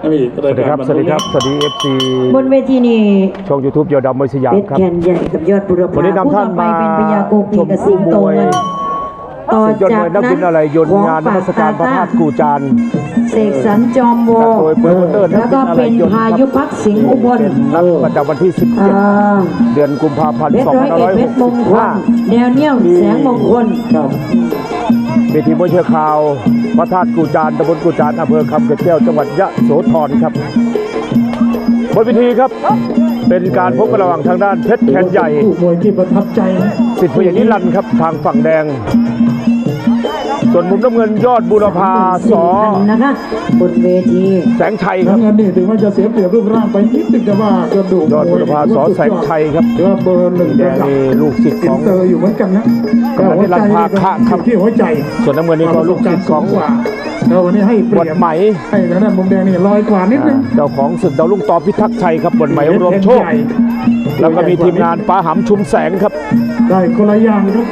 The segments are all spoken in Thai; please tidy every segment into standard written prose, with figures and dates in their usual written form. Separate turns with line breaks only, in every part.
สวัสดีครับสวัสดีครับสวัสดี FC
บนเวทีนี้
ช่อง YouTube ยอดดำมวยสยามครับ
เพชรแคนใหญ่กับยอดบุรพา
วันนี้นำท่านมา
เป็นพญาโกปีกับสิงโตเงินต่อ
สุดยอด
จาม ก
วยนัก
นั้
บิ
น
นอะไรยนต์งานนมัสการพระธาตุกู่จาน
เสกสรรจอมโว
โดยโปรโมเตอร์นั
แล้
ก
ว
บิ
ก็
นอะไร
เป็น
ยนต์
พายุพักสิงห์อุบล
เป็นนัดประจำวันที่ 17 เดือนกุมภาพันธ์
เพชรร้อยเอ็ดเพชรมงคล
2565
แนวเนี้ยวแสงมงคล
เวทีมวยเชือกขาวพระธาตุกู่จานตำบลกู่จานอำเภอคำเกร็ดแก้วจังหวัดยะโสธรครับบนเวทีครับเป็นการพบกันระหว่างทางด้านเพชรแคนใหญ่
มวยที่ประทับใจ
สิทธิ์พญานิรันดร์ครับทางฝั่งแดง ส่วนมุมน้ำเงินยอดบุรพาสอ
นะคะบนเวที
แสงชัยครับ
น้ำเงินนี่ถึงว่าจะเสียเปรียบรูปร่างไปนิดนึงแต่ว่ากระดูก
ยอดบุรพาสอแสงชัยครับ
เดี๋ยวเบอร์หนึ่ง
แด
ระ
ง
ดับ
นี่ลูกศิษย์
อิ
ข
น
อง
เตอร์อยู่เหมือนกันนะ
กำลังที่รันพาคะครับ
ที่หัวใจ
ส่วนน้ำเงินนี่ก็ลูกศิษย์ของ
กว่าแล้ววันนี้ให้เป
บ
รี
ท
ยบ
ไหม
ให้ทางด้านมุมแดงนี่ลอยกว่านิดนึง
เจ้าของศึกดาวลุ่งต่อพิทักษ์ชัยครับบทไหมรวมโชค แล้วก็มีทีมงานป้าหำชุมแสงครับ
ได้คนละอย่างครับ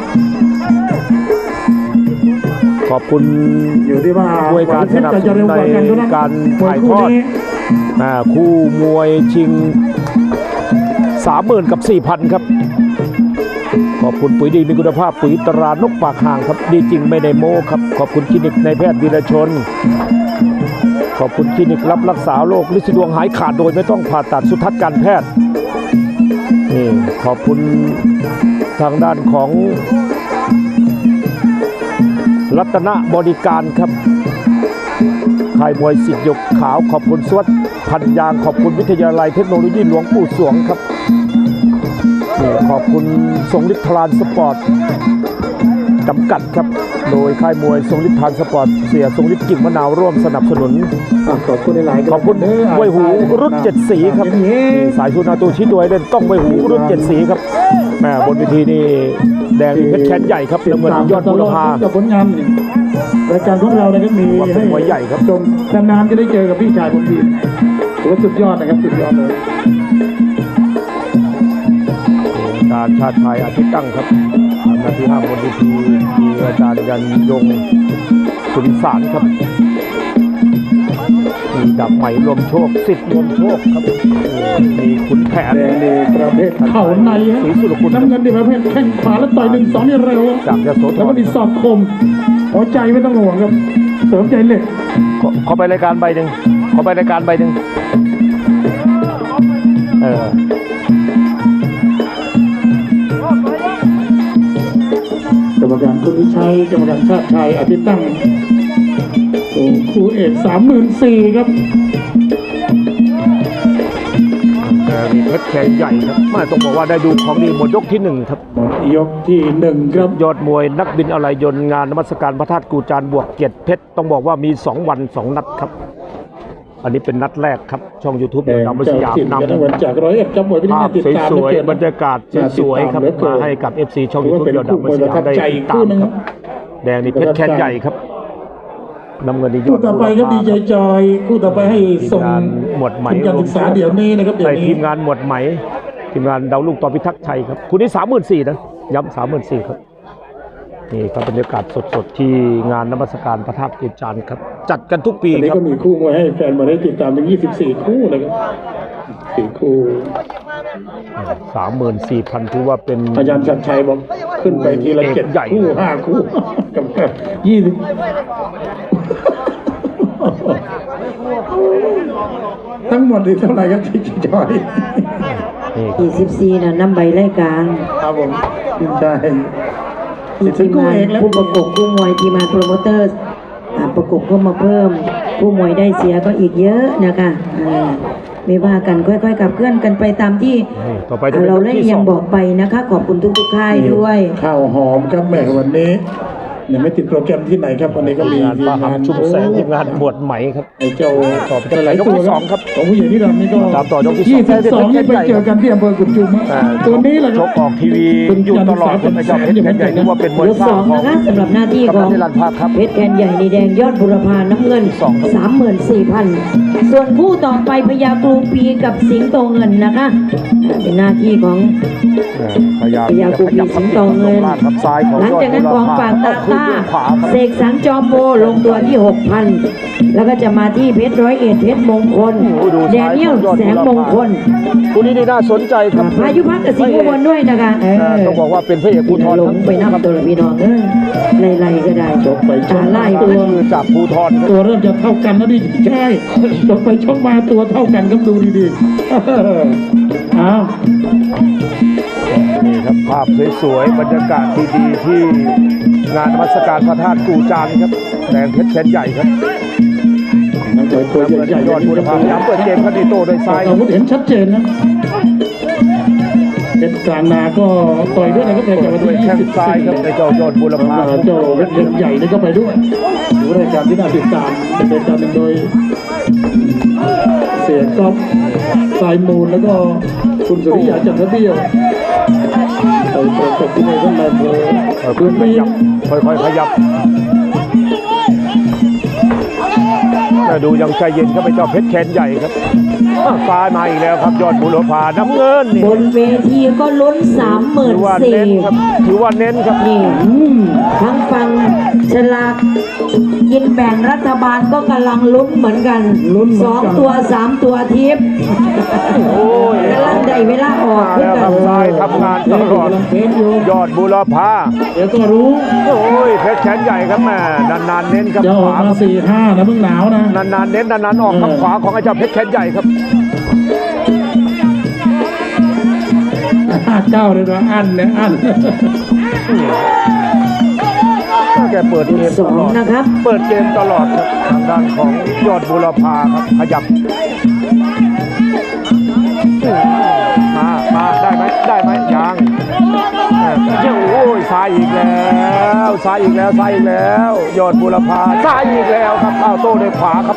ขอบคุณ
อยู่ที่ว่า
ด้วยการสนับสนุนในการถ่ายทอด คู่มวยชิง 30,000 กับ 4,000 ครับ ขอบคุณปุ๋ยดีมีคุณภาพปุ๋ยตรานกปากห่างครับดีจริงไม่ได้โม้ครับขอบคุณคลินิกนายแพทย์วีรชน ขอบคุณคลินิกรับรักษาโรคลินดวงหายขาดโดยไม่ต้องผ่าตัดสุทัศน์การแพทย์นี่ขอบคุณทางด้านของรัตนบริการครับค่ายมวยสิทธิ์หยกขาวขอบคุณสวัสดิ์พันยางขอบคุณวิทยาลัยเทคโนโลยีหลวงปู่สวงครับขอบคุณทรงฤทธิ์ทรานสปอร์ตจำกัดครับโดยค่ายมวยทรงฤทธิ์ทรานสปอร์ตเสียทรงฤทธิ์กิ่งมะนาวร่วมสนับสนุน
ขอบคุณหลายๆ
ขอบคุณไวยหูรุ่น7สีครับสายชุนาตูชี้ตัวให้เล่นต้องไวยหูรุ่น7สีครับแม่บนเวทีนี่แดงเพชรแขนใหญ่ครับน้ำเงินยอดบุรพา
กับผลงานรายการของเรานะครับมีให้
มวยใหญ่ครับ
ชมนานๆจะได้เจอกับพี่ชายบนทีถือว่าสุดยอดนะครับสุดยอดเลย
การชาติไทยอาทิตย์ตั้งครับนาที5บนเวทีมีอาจารย์ยันยงสุริสารครับมีดับใหม่รวมโชคสิทธิ์รวมโชคครับมีขุนแผน
แดงนี่ประเภทเข่าใน
ศรีสุรคุณ
น้ำเงินนี่ประเภทแข้งขวาแล้วต่อย1-2นี่เร็ว
จากยโสธ
แล้วก็
ร
มีศอกคมหัวใจไม่ต้องห่วงครับเสริมใจเหล็ก
ขอไปรายการใบหนึ่งขอไปรายการใบหนึ่ง
กรรมการคุณวิชัยกรรมการชาติชัยอาทิตย์ตั้งโอ้คู่เอก34,000ครับ
มีเพชรแขนใหญ่ครับไม่ต้องบอกว่าได้ดูของดีหมดยกที่1ครับ
ยกที่1ครับ
ยอดมวยนักบินอะไรยนต์งานนมัสการพระธาตุกู่จานบวกเกียรติเพชรต้องบอกว่ามี2 วัน 2 นัดครับอันนี้เป็นนัดแรกครับช่อง YouTube
แดง
ดาวมวยสยาม
นำ
นำ
วันจาก100ครับมวยพิธี
ภาพ
ติดตาม
สวยๆบรรยากาศสวยๆครับมาให้กับ FC ช่อง YouTube ยอดดาวมวยสยามได้ติดตามครับแดงนี่เพชรแขนใหญ่ครับน้ำเงินนี่ยอ
คู่
ด
ต่อไปครับดีใจจอยคู่ต่อไปให้ส่ง
ทีมงานหมวดไหม
ทุนการศึกษาเดี๋ยวนี้นะครับเดี๋ยว
ใน
นี้
ทีมงานหมวดไหมทีมงานดาวลูกต่อพิทักษ์ชัยครับคุณนี่34,000นะย้ำ34,000ครับนี่ครับบรรยากาศสดๆที่งานนมัสการพระธาตุกู่จานครับจัดกันทุกปี
อันนี้
ครับ
ก็มีคู่มวยให้แฟนมาได้ติดตามถึง24 คู่นะครับ4 คู่
34,000ถือว่าเป็น
อาจารย์ชัดชัยบอกขึ้นไปทีละ
เอกใหญ่
7 คู่ 5 คู่กับ20ทั้งหมดนี่เท่าไหร่ครับที่จอย
นี่
24น่ะนำใบรายการ
ครับผมใช่
ทีมงานผู้ประกบผู้มวยทีมงานโปรโมเตอร์ประกบก็มาเพิ่ม ผู้มวยได้เสียก็อีกเยอะนะคะไม่ว่ากันค่อยๆกับเคลื่อนกันไปตามที่
ต่อไปจะเป็น
เรา
ยก
ได้
ที่
ยัง
2
บอกไปนะคะ ขอบคุณทุกๆค่ายด้วย
ข้าวหอมครับแม่วันนี้เนี่ยไม่ติดโปรแกรมที่ไหนครับวันนี้ก็มี
งานป้าหำชุมแสงทีมงานหมวดไหมครับ
ไอ้เจ้า
ต่อไปยกที่2ครับ
ของผู้ใหญ่ที่ดำนี่ก็
ตามต่อยกที่2
22นี่ไปเจอกันที่อำเภอกุดจุมตัวนี้แหละค
ช
รับ
กออกทีวีอยู่ตลอดครับไอ้เจ้าเพชรแขนใหญ่นี่ว่าเป็นมวย
ยก
ส
ส
ร้า
อง ง
ของ
นะคะสำหรับหน้าที่ของ
กำนันนิรันดร์ภาคครับ
เพชรแคนใหญ่นีแดงยอดบุรพาน้ำเงิน 34,000 ส่วนคู่ต่อไปพญากรูปีกับสิงโตเงินนะคะเป็นหน้าที่ของ
พยายาม
พยายาม
ขยับ
สิงโตเงิน
ล่างครับซ้ายของ
หลังจากนั้นของฝากตาต้า
ขวาครับ
เสกสรรจอมโบลงตัวที่ 6,000 แล้วก็จะมาที่เพชรร้อยเอ็ดเพชรมงคล
โอ้โหดู
แด
ซ้าย
เนียล
ยอด
แสงมงคล
คู่นี้นี่น่าสนใจครับ
พายุพักกับสิงห์อุบลด้วยนะคะ
ต้องบอกว่าเป็นพระเอกภูธร
ลงไปนับตัวละพี่น้องไล่ๆก็ได้
ชกไปชก
ไล่
มา
ไป
ตัว
คือจากภูธรครับ
ตัวเริ่มจะเท่ากันแล้วดิใช่ชกไปชกมาตัวเท่ากันครับดูดีๆอ้าว
นี่ครับภาพสวยๆบรรยากาศดีๆที่งานนมัสการพระธาตุกูจางครับแดงเพชรแขนใหญ่ครับ
นักต่อยตัวใหญ่ๆ
ยอดบุรพาพยายามเปิดเกมครับดีโต้ด้วยซ้าย
อาวุธเห็นชัดเจนนะเพชรกลางนาก็ต่อยด้วยนะครับในวัน
ด้วย
ที่
แข้งซ้ายครับในเจ้ายอดบุรพา
เจ้าเพชรเล็กใหญ่นี่ก็ไปด้วยดูรายการที่น่าติดตามเป็นการโดยเสียก๊อฟสายมูลแล้วก็คุณสุริยาจันทเบี้ยวไปประกบที่ในท่านนายอำเภอ
ค่
พื้
อน ยๆข
ที่
ยับค่อยๆขยับดูยังใจเย็นครับไอ้เจ้าเพชรแขนใหญ่ครับซ้ายมาอีกแล้วครับยอดบุรพาน้ำเงินนี่
บนเวทีก็ลุ้น
ถือว่าเน้นครับ
34,000
ถือว่าเน้นครับ
นี่ทั้งฟังฉลากกินแบ่งรัฐบาลก็กำลังลุ้นเหมือนกัน
ลุ้นเหมือนกัน
2 ตัว 3 ตัวทิพย์
โอ้ย
กำลังได้เวลาออก
มา
ขึ้น
แล้วค
กั
รั
น
บซ้ายทำงานตลอด
กำลังเทสอยู่
ยอดบุรพา
เดี๋ยวก็รู้
โอ้ยเพชรแขนใหญ่ครับแม่นานๆเน้นครับ
จะอ
ข
อก
วา
มา4-5นะเพิ่งหนาวนะ
นานๆเน้นนานๆออกครับขวาของไอ้เจ้าเพชรแขนใหญ่ครับ
9เลยนะอันเนี่ยอัน
แกเปิดเกมตลอด
2 นะครับ
เปิดเกมตลอดครับทางด้านของยอดบุรพาครับขยับมาได้ไหมได้ไหมยังโอ้ยซ้ายอีกแล้วซ้ายอีกแล้วซ้ายอีกแล้ว ยอดบุรพาซ้ายอีกแล้วครับเอาโต้ด้วยขวาครับ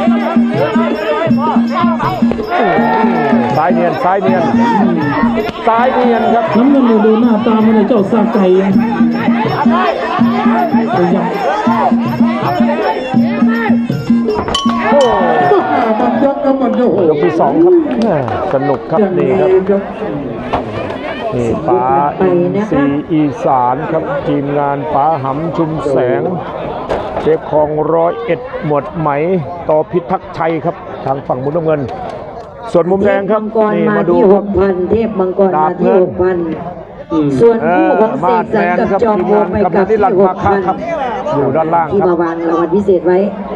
ซ้ายเนียนซ้ายเนียนซ้ายเนียนครับ
น้ำเงินเนี่ยดูหน้าตามันเลยเจ้าซาไก่พยายาม
โอ้
มันยกแล้วมันโอ้โห
ยกที่สองครับแม่สนุกครับ
อย่าง
นี่
นี้
ครับ
ครับ
นี่ป๋าอินทรีย์อีสานครับทีมงานป๋าหำชุมแสงเชฟคลอง101หมวดไหมต่อพิทักษ์ชัยครับทางฝั่งมุมน้ำเงิน ส่วนมุมแดงครับ
เทพมังกร
นี่
มา
มาดู
ที่
ครับ
6,000 เทพมังกรมาที่ 6,000 ส่วนคู่ของเสกสรรกับจอมโบไปกับที่
ครับ อยู่ด้านล่าง
ที่
ครับ
มาวางรางวัลพิเศษไว้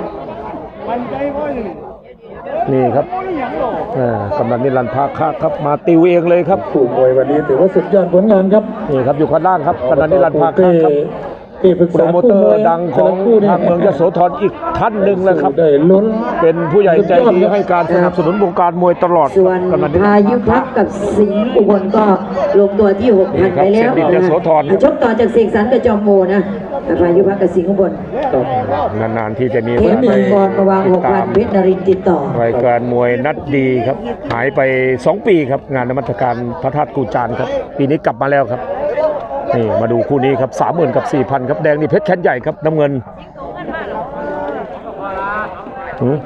นี่ครับกำนันนิรันดร์ภาคะครับมาติวเองเลยครับ
ผู้มวยวันนี้ถือว่าสุดยอดผลงานครับ
นี่ครับอยู่ข้างล่างครับกำนันนิรันดร์ภาคะครับ
ที่ปรึก
โปร
ษา
โมเตอร์ดังของทางเมืองยโสธรอีกท่านหนึ่งเลยครับ
ได้ลุ้น
เป็นผู้ใหญ่ใจดีให้การสนับสนุนวงการมวยตลอด
ส่วน
กำนันนิรันด
พา
ร์
ยุพักกับสิงห์อุบลก็ลงตัวที่ 6,000 ไปแล้ว
เสกสรรยโสธร
ชกต่อจากเสกสรรกับจอมโบนะพายุพักกับสิงห์อุบล
นานๆที่จะมี
เทพมังกรมาวาง
ติดตาม
6,000 เพชรนรินทร์ติดต่อ
รายการมวยนัดดีครับ หายไป 2 ปีครับ งานนมัสการพระธาตุกูจานครับ ปีนี้กลับมาแล้วครับ นี่มาดูคู่นี้ครับ 30,000 กับ 4,000 ครับ แดงนี่เพชรแขนใหญ่ครับ น้ำเงินหือ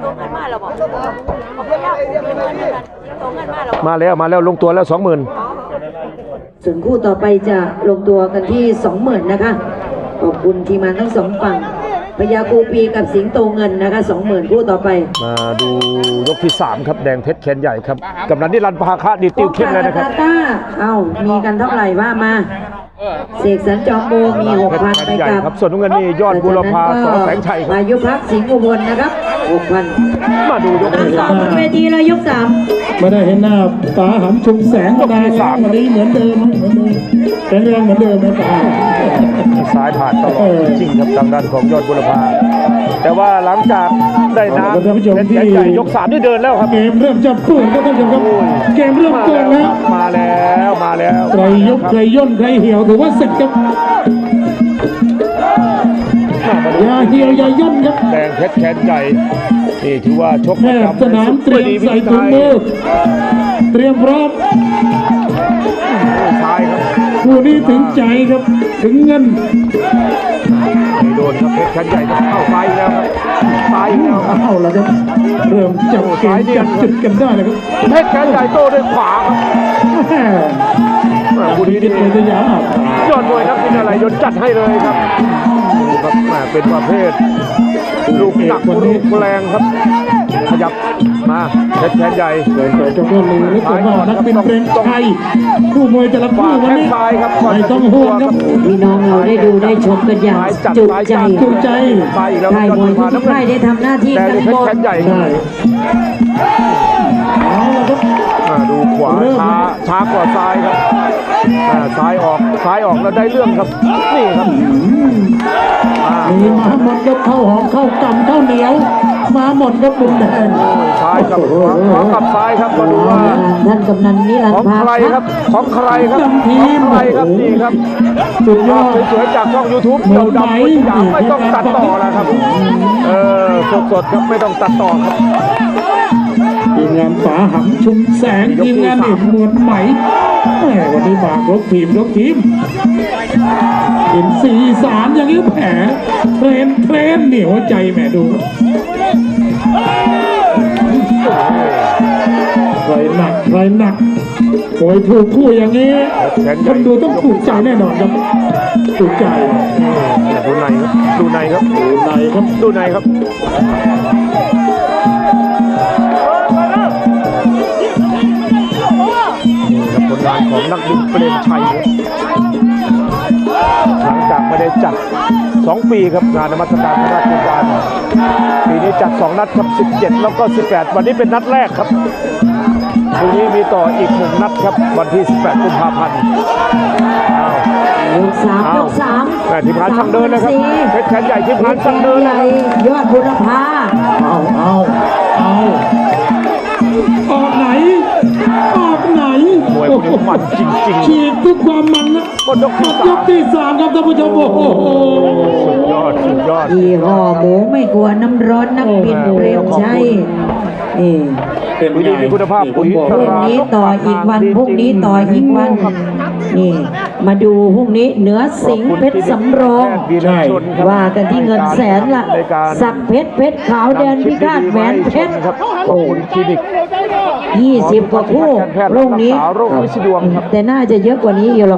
มาแล้วลงตัวแล้ว 20,000
ส่วนคู่ต่อไปจะลงตัวกันที่ 20,000 นะคะ ขอบคุณทีมงานทั้งสองฝั่งพญากูปีกับสิงโตเงินนะคะ 20,000 คู่ต่อไป
มาดูยกที่ 3 ครับ แดงเพชรแขนใหญ่ครับกำนันนิรันดร์ภาคะดีติวเข้มเลยนะครับ
ต้ามีกันเท่าไหร่ว่ามาเสกสรรจอมโบมี 6,000 ไปกับ
ครับส่วนน้ำเงินนี่ยอดบุรพาสอแสงชัยครับ
พายุพักสิงห์อุบลนะครับ 6,000
มาดูยกที่
สองบนเวทีเลยยก 3
ไม่ได้เห็นหน้าป๋าหำชุมแสงก็ได้แล้ววันนี้เหมือนเดิมแข็งแรงเหมือนเดิมนะป๋า
ซ้ายผ่านตลอดจริงๆครับทางด้านของยอดบุรพาแต่ว่าหลังจากได้น้ำเป็นแขนใหญ่ยก 3 นี่เดินแล้วครับ
เกมเริ่มจะเปื่อนก็ท่านผู้ชมครับเกมเริ่มเปื่อนแล้ว
มาแล้ว
ใครยกใครย่นใครเหี่ยวถือว่าเสร็จครับอย่าเหี่ยวอย่าย่นครับ
แดงเพชรแขนใหญ่นี่ถือว่าชก
แพทย์สนามเตรียมใส่ถุงมือเตรียมพร้อม
ซ้ายครับ
คู่นี้ถึงใจครับถึงเงิน
ไม่โดนครับเพชรแขนใหญ่ครับเข้าซ้ายอีกแล้วครับซ้ายอีกแล้วครับ
เอาละครับเริ่มจับเกมจับจุดกันได้เลยครับ
เพชรแขนใหญ่โต้ด้วยขวาครับ
แม่
คู่นี้
คิ
นี่
ดเป็นสยาม
ยอดมวยนักพิณอะไรยนต์จัดให้เลยครับครับแหม่เป็นประเภทลูกหนักลูกแรงครับ ขยับมาเพชรแขนใหญ่
เปิดเจ้าก็รู้แล้วผมว่านักบินเปรมชัยคู่มวยแต่ละคู่
ฝาก
วัน
แข้ง
นี้
ซ้ายครับ
ไม่ต้องห่วงครับ
พี่น้องเราได้ดูได้ชมกันอย่างจุใจ
จุใจ
ซ้ายอีกแล้ว
ค่ายมวยทุกค่ายได้ทำหน้าที่
แต่
กัน
เพ
ห
ช
ม
ร
ด
แขนใหญ่
ใช่เอาละครับ
ดูขวาช้ากว่าซ้ายครับซ้ายออกแล้วได้เรื่องครับนี่ครับ
มีมาหมดครับเข้าหอมเข้ากำเข้าเหนียว มาหมดครับมุมแดง
ซ้ายกับขวากับซ้ายครับมาดูว่า
ท่านกำนันนิรัน
ของ
ดร์พา
ใครครับของใครครับ
จำที
ของ
ม
ใครครับนี่ครับ
สุดยอ
ภาพ
ด
สวยๆจากช่อง YouTube
เหมื
เดี
อย
วน ดำ
ไหม
สยามไม่ต้องตัดต่อแล้วครับสดๆครับไม่ต้องตัดต่อครับ
ทีมงานฝาหำชุมแสงทีมงานเอกมวลไหมแหมวันนี้มายกทีมเห็นสีสารอย่างนี้แผลเทรนเหนียวใจแหมดูใครหนักโอยถูกคู่อย่างนี้คนดูต้องถูกใจแน่นอนครับถูกใจ
ดูในครับดูในครับ
ในครับ
ดูในครับผลงานของนักบินเปรมชัยหลังจากไม่ได้จัด 2 ปีครับงานนมัสการพระราชทานปีนี้จัด 2 นัดครับ17 แล้วก็ 18 วันนี้เป็นนัดแรกครับพรุ่งนี้มีต่ออีก 1 นัดครับวันที่ 18 กุมภาพันธ์
ยกสามยกสาม
แต่ทีมงานช่างเดินนะครับเพชรแขนใหญ่ทีมงานช่างเดิน
ให
นะ
ญ่
ครับ
ยอดบุรพา
เอาออกไหน
มวยพวกนี้มันจริงๆ
ฉีกทุกความมันนะ
หมดยกที่
ยกที่สามครับท่านผู้ชมโอ้โห
สุดยอด
ยี่ห้อหมูไม่กลัวน้ำร้อนนักบินเปรมชัยนี่
เป็น
ปุ๋ย
ไง
ดีมีคุณภาพปุ๋ย
ผม
พ
บอก
รุ่งนี้ต่ออีกวันพรุ่งนี้ต่ออีกวันนี่มาดูพรุ่งนี้เหนือสิงห์เพชรสำโรง
ใช่
ว่ากันที่เงินแสนละสักเพชรขาวแดนพิฆาตแหวนเพชร
ครับโอ้คลินิก
20 กว่าคู่พรุ่งนี้
โรควิสดวงครับ
แต่น่าจะเยอะกว่านี้อยู่หรอก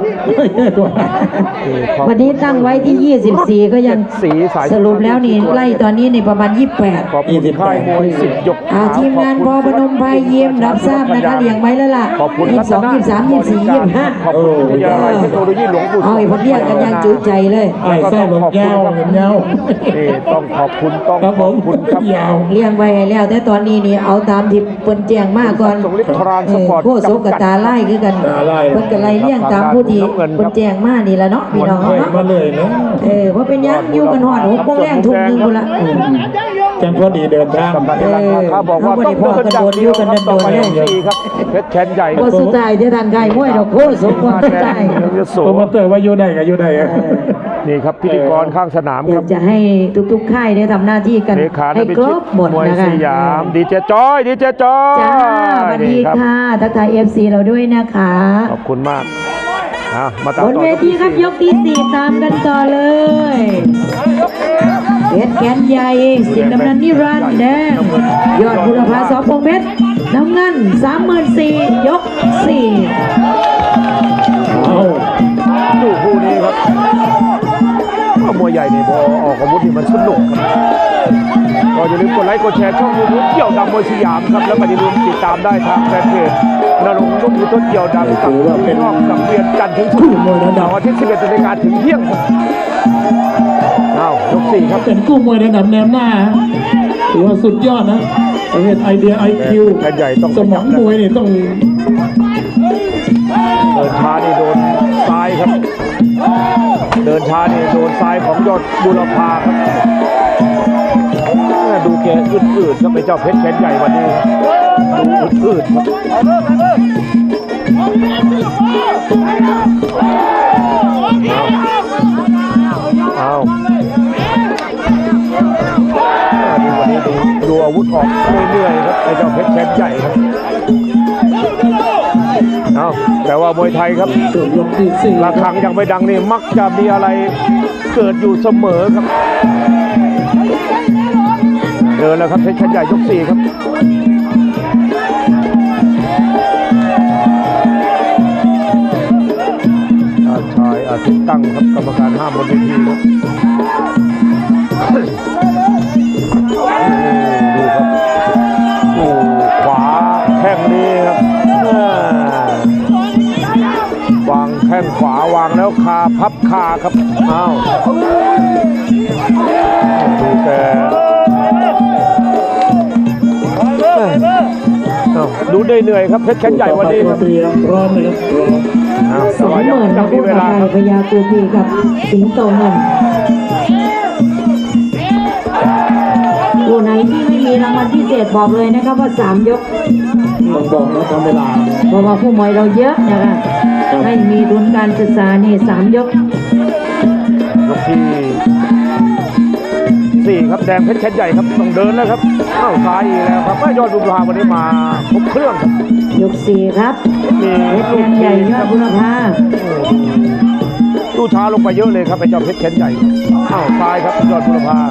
วันนี้ตั้งไว้ที่ 24 ก็ยังสรุปแล้วนี่ไล่ตอนนี้ในประมาณ 28
ขอบคุณค่ายมวยสิทธิ์ยก
ทีมงานพอพนมไพรเยี่ยมรับทราบนะคะเลี้ยงไว้แล้วล่ะ
ขอบคุณ
22 23 24 25
ขอบคุณวิทยาลัยเทคโนโลยีหลวงปู่
เอาไอ้พวกเรียกกันยังจุใจเลย
ไอ้ไส้หลงยาวเห็นยาว
นี่ต้องขอบคุณต้อง
ครับ
ข
ผ
อบ
ม
คุณครับ
ยาว
เลี้ยงไว้ให้แล้ว แต่ตอนนี้นี่เอาตามที่เปิ้นแจ้งมาก่อน
สงฤทธิ์ทรานสปอร์ต
โคโซกับตาไล่คือกัน
ตาไล่
เพิ่นก็ไล่เลี้ยงตามผู้ที่เพิ่นแจ้งมานี่ละเนาะพี่น้อง
เคย
เนาะ
มาเลยเนาะ
เพราะเป็นหยังอยู่กันหอด6โมงแรงทุ่มหนึงพุ่นละ
จังพอดีเดินทาง
กำนันนิรันดร์เขาบอกว่าต้องเดินอย่างเดียวครับต่อไป4ครับเพชรแขนใหญ่
บ่สุดท้ายที่ท่านไก่มวยดอกโคโซบ่สุดท้าย
โส
โปรโมเตอร์ว่าอยู่ได้ก็อยู่ได้อะ
นี่ครับพิธีกรข้างสนาม
อ
ค
ยา
รั
ก
บ
จะให้ทุกๆค่ายได้ทำหน้าที่กัน
เลขา
ให้
พิ
คร
ชิต
บหมด
มวย
นะคะ
สยามดีเจจอยดีเจจอย
จ้าสวัสดี
นี่รับ
ค่ะทักทาย FC เราด้วยนะคะ
ขอบคุณมากมาตาม
บน
ต่อ
เวทีครับย
ยก
กที่ 4 ตามกันต่อเลยเพชรแกนใหญ่สิงห์กำนันนิรันดร์แดงยอดบุรพาสอพงษ์เพชรน้ำเงิน 34,000ยก
เอา
ดูคู่นี้ครับมวยใหญ่เนี่ยพอออกอาวุธนี่มันสนุกครับก็อย่าลืมกดไลค์กดแชร์ช่องยูทูบเกี่ยวดำมวยสยามครับแล้วก็อย่าลืมติดตามได้ทางแฟนเพจนรงค์นุ่มยุทธเกี่ยวดำกับนอกสังเวียนจันทร์ถึงศุกร์เสาร์อาทิตย์ 11 นาฬิกาถึงเที่ยงครับยก 4 ครับ
เป็นกู้มวยระดับแนวหน้าถือว่าสุดยอดนะประเภทไอเดีย IQ
แขนใหญ่ต้อง
สมองมวยนี่ต้อง
เดินช้านี่โดนซ้ายครับเดินช้านี่โดนซ้ายของยอดบุรพาครับดูแกอืดๆครับไอ้เจ้าเพชรแขนใหญ่วันนี้ดูอืดๆครับเอาวันนี้ดูอาวุธออกเรื่อยๆครับไอ้เจ้าเพชรแขนใหญ่ครับแต่ว่ามวยไทยครับ
ตัวยกที่สี่
ระฆังยังไม่ดังนี่มักจะมีอะไรเกิดอยู่เสมอครับเดินแล้วครับเพชรแขนใหญ่ยก 4 ครับชายอาทิตย์ตั้งครับกรรมการห้ามบนเวทีครับคาพับคาครับอ้าวดูแต่ดูได้เหนื่อยครับเพชรแขนใหญ่วันนี้ครับ
เตรียมพร้อมเลยครับพร้อม
20,000
ยั
นะ
งมี
คู่
เว
ต่อ
ลา
ไป
ครับ
พญากูพีกับสิงโตเงินคู่ไหนที่ไม่มีรางวัลพิเศษบอกเลยนะครับว่า3 ยก
ต้องบอกนะทำเวลา
เพราะว่าผู้มวยเราเยอะนะคะ
ครับ
ไม่มีทุนการศึกษานี่3 ยก
ยกที่4ครับแดงเพชรแขนใหญ่ครับต้องเดินแล้วครับเข้าซ้ายอีกแล้วครับยอดบุรพาวันนี้มาครบเครื่องครับ
ยก4ครับ
มี
เพชร
ลู
แข
ก
นใหญ่
ที
ยอดบุรพา
ตู้ช้าลงไปเยอะเลยครับไอ้เจ้าเพชรแขนใหญ่เข้าซ้ายครับยอดบุรพา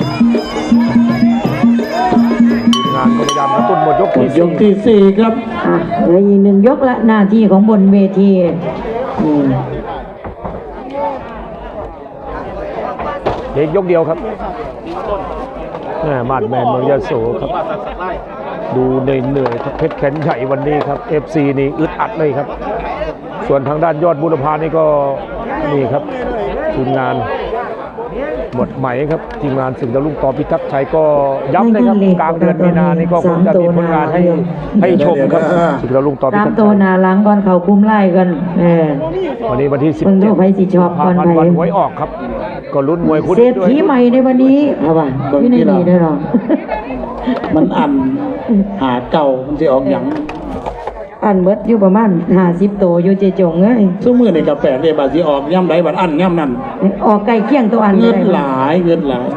ทีมงานก็พยายามกระตุ้นหมดยก
หม
ที่
ดยกที่ 4 ครับ
อ่ะเหลืออีก1 ยกละหน้าที่ของบนเวทีอืม
เด็กยกเดียวครับมาดแมนเมืองยะโสครับดูเหนื่อยๆครับเพชรแขนใหญ่วันนี้ครับ FC นี่อึดอัดเลยครับ ส่วนทางด้านยอดบุรพานี่ก็นี่ครับทีมงานหมดไหมครับทีมงานสึกดาวรุ่งต่อพิทักษ์ชัยก็ย้ำเลยครับกลางเดือนมีนานี่ก็คงจะมีผลงานให้ชมครับสึกดาวรุ่งต่อพิ
ตาม
ทักษ์
ตัว
ชัย
หนาหลังก่อนเขาคุ้มไล่กัน
วันนี้วันที่
เพิ่งดูไผสิชอบก่อน
พัน
ไผ
วันหวยออกครับ ก็ลุ้นมวยคู่
เศร
นี้
ษ
ด้วย
ฐีใหม่ในวันนี้เอาป่ะพี่นี่ดีได้หรอ
มันอันหาเก่ามันจะออกอย่าง
อันเบิดอยู่ประมาณ50 ตัวอยู่เจจงเอ้ย
ซุ้มมือในกาแฟเนี่ยบาสิออกย่ำไรบัดอันย่ำนั่น
ออกไก่เคี่ยงตัวอัน
เงิน
ได้
หลายเงินหลาย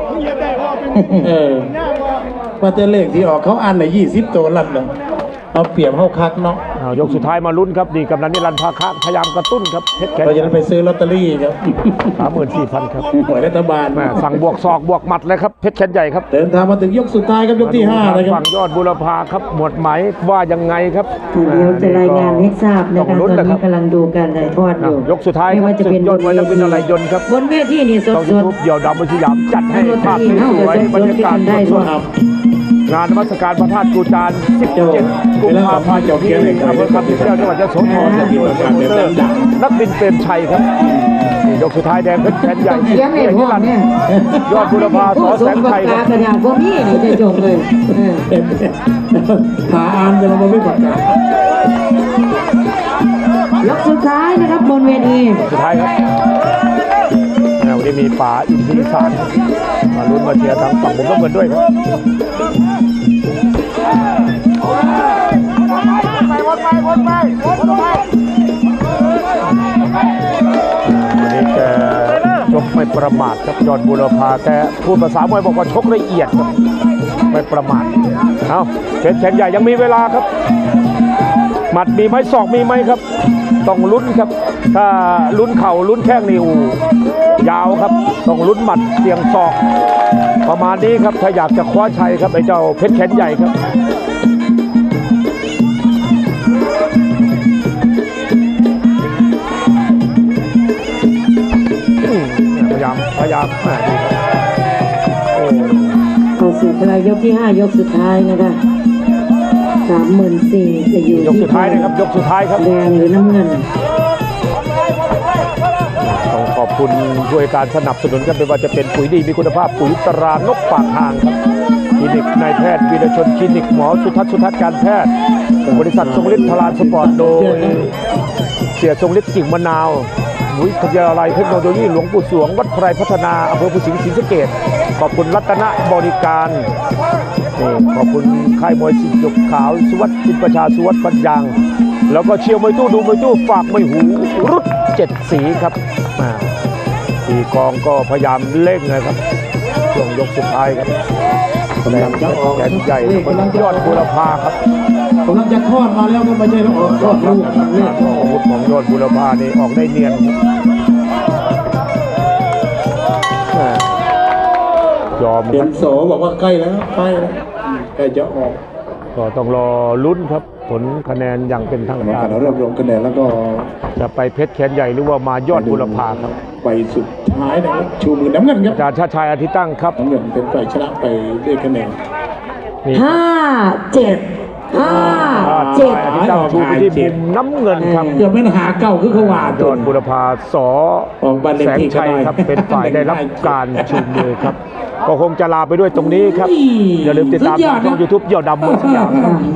ว่าแต่เลขที่ออกเขาอันใน20 ตัวลัดเลยเอาเปรียบเข้าคักเนาะ
ยกสุดท้ายมาลุ้นครับดีกำนันนิรันดร์ภาคะพยายามกระตุ้นครับเพชรแขน
เราจะได้ไปซื้อลอตเตอรี่ครับ
34,000ครับ
หวยรัฐบาล
แม่สั่งบวกศอกบวกหมัดเลยครับเพชรแขนใหญ่ครับ
เดินทางมาถึงยกสุดท้ายครับยกที่5เลยครั
ฝั่
บ
งยอดบุรพาครับหมวดไหมว่ายังไงครับ
เดี๋ยวจะรายงานให้ทราบนะ
ต้
คะ
องลุ้
ตอน
นะค
นี้
รับ
กำลังดูการถ่ายทอดอยู่
ยกสุดท้าย
ไม่ว่าจะเป็น
ศึกยอดมวยนักบินอะไรยนต์ครับ
บนเวทีนี่ส
ต้อง
ด
ยูทูบเดี่ยวดำบนสยามจัดให้ภาพสวยๆบรรยากาศสดๆงานนมัสการพระธาตุกูจาน17 กุมภาพันธ์ที่อำเภอคำสิงแก้วจังหวัดยะโสธรนักบินเปรมชัยครับนี่ยกสุดท้ายแดงเพชรแขนใหญ่
ๆเสียงในพวกเนี่ย
ยอดบุรพาสอแสงชัย
ผู้
ค
ส
รับ
มกับกากระดาษพวกนี้นี่เจจงเลย
หาอ่านจะมาไม่ประกาศ
ยกสุดท้ายนะครับบนเวที
สุดท้ายครับวันนี้มีป๋าอินทรีสารมาลุ้นมาเชียร์ทางฝั่งผมก็เหมือนด้วยครับวันนี้แกชกไม่ประมาทครับยอดบุรพาแกพูดภาษามวยบอกว่าชกละเอียดครับไม่ประมาทเอาเพชรแขนใหญ่ยังมีเวลาครับหมัดมีไหมศอกมีไหมครับต้องลุ้นครับ ถ้าลุ้นเข่าลุ้นแข้งนี่ยาวครับต้องลุ้นหมัดเสียงศอกประมาณนี้ครับถ้าอยากจะคว้าชัยครับไอ้เจ้าเพชรแขนใหญ่ครับพยายามดีครับโอ้
เข้าสู่ปลายยกที่ 5 ยกสุดท้ายนะคะ34,000จะอยู่
ยกสุดท้ายนะครับยกสุดท้ายครับ
แดงหรือน้ำเงิน
ต้องขอบคุณด้วยการสนับสนุนกันไม่ว่าจะเป็นปุ๋ยดีมีคุณภาพปุ๋ยตรานกปากทางครับคลินิกนายแพทย์วีรชนคลินิกหมอสุทัศน์การแพทย์บริษัททรงฤทธิ์พลานสปอร์ตโดยเสียทรงฤทธิ์กิ่งมะนาววิทยาลัยเทคโนโลยีหลวงปู่สวงวัดไพรพัฒนาอำเภอภูสิงห์ศรีสะเกษขอบคุณรัตนบริการนี่ขอบคุณค่ายมวยสิทธิ์หยกขาวสุวัสดิ์จิตประชาสุวัสดิ์ปัญญางแล้วก็เชียร์มวยตู้ดูมวยตู้ฝากมวยหูรุด7 สีครับตีกองก็พยายามเร่งนะครับช่วงยกสุดท้ายครับแสดงแขนใหญ่ยอดบุรพาครับ
กำลังจะคลอดมาแล้วก็ไม่ใช่แล้วออกคลอดลูก
อาวุธของยอดบุรพานี่ออกได้เนียนยอม
เห็
ครั
น
บ
โสบอกว่าใกล้แล้วใกล้แล้วใกล้จะออก
ก็ต้องรอลุ้นครับผลคะแนนอย่างเป็นทาง
กรรม
กา
การ รรวบรวมคะแนนแล้วก็
จะไปเพชรแขนใหญ่หรือว่ามายอดบุรพาครับ
ไปสุดท้ายนะครับชูมือน้ำเงินครับ
อาจารย์ชาติชายอาทิตย์ตั้งครับ
น้ำเงินเป็นฝ่ายชนะไปด้วยคะแนน
นี่
5-7 เจ็ด
อาทิตย์ตั้งชูไปที่มุมน้ำเงินครับ
เกือบเป็นหาเก่าคือเขาว่า
ดอนบุรพาสอ
ออกบ้านเลข
แสง
ที่
ชัยครับเป็นฝ่ายได้รับการชูมือครับ ก็คงจะลาไปด้วยตรงนี้ครับ อย่าลืมติดตามทางช่อง YouTube ยอดดำมวยสยามครับ